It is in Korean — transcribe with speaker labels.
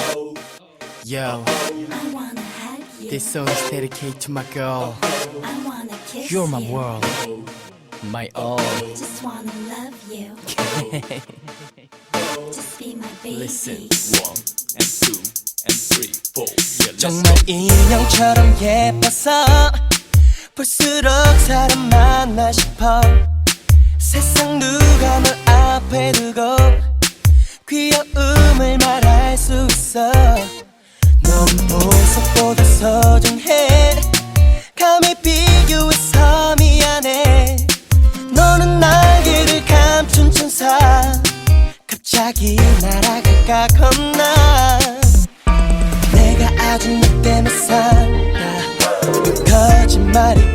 Speaker 1: Yo,
Speaker 2: I wanna hug you.
Speaker 1: this song is dedicated to my girl.
Speaker 2: I wanna kiss
Speaker 1: You're my
Speaker 2: you.
Speaker 1: world, my all.
Speaker 2: Just wanna love you. Just be my baby.
Speaker 1: Listen.
Speaker 3: 1 and 2 and 3, 4. Yeah, let's
Speaker 4: 정말 인형처럼 예뻐서 볼수록 사람 만나 싶어. 세상 누가 널 앞에 두고 귀여움을 말할 수 있어. 넌 보석보다 소중해. 감히 비교해서 미안해. 너는 날개를 감춘 천사. 갑자기 날아갈까 겁나. 내가 아주 너 때문에 산다. 거짓말이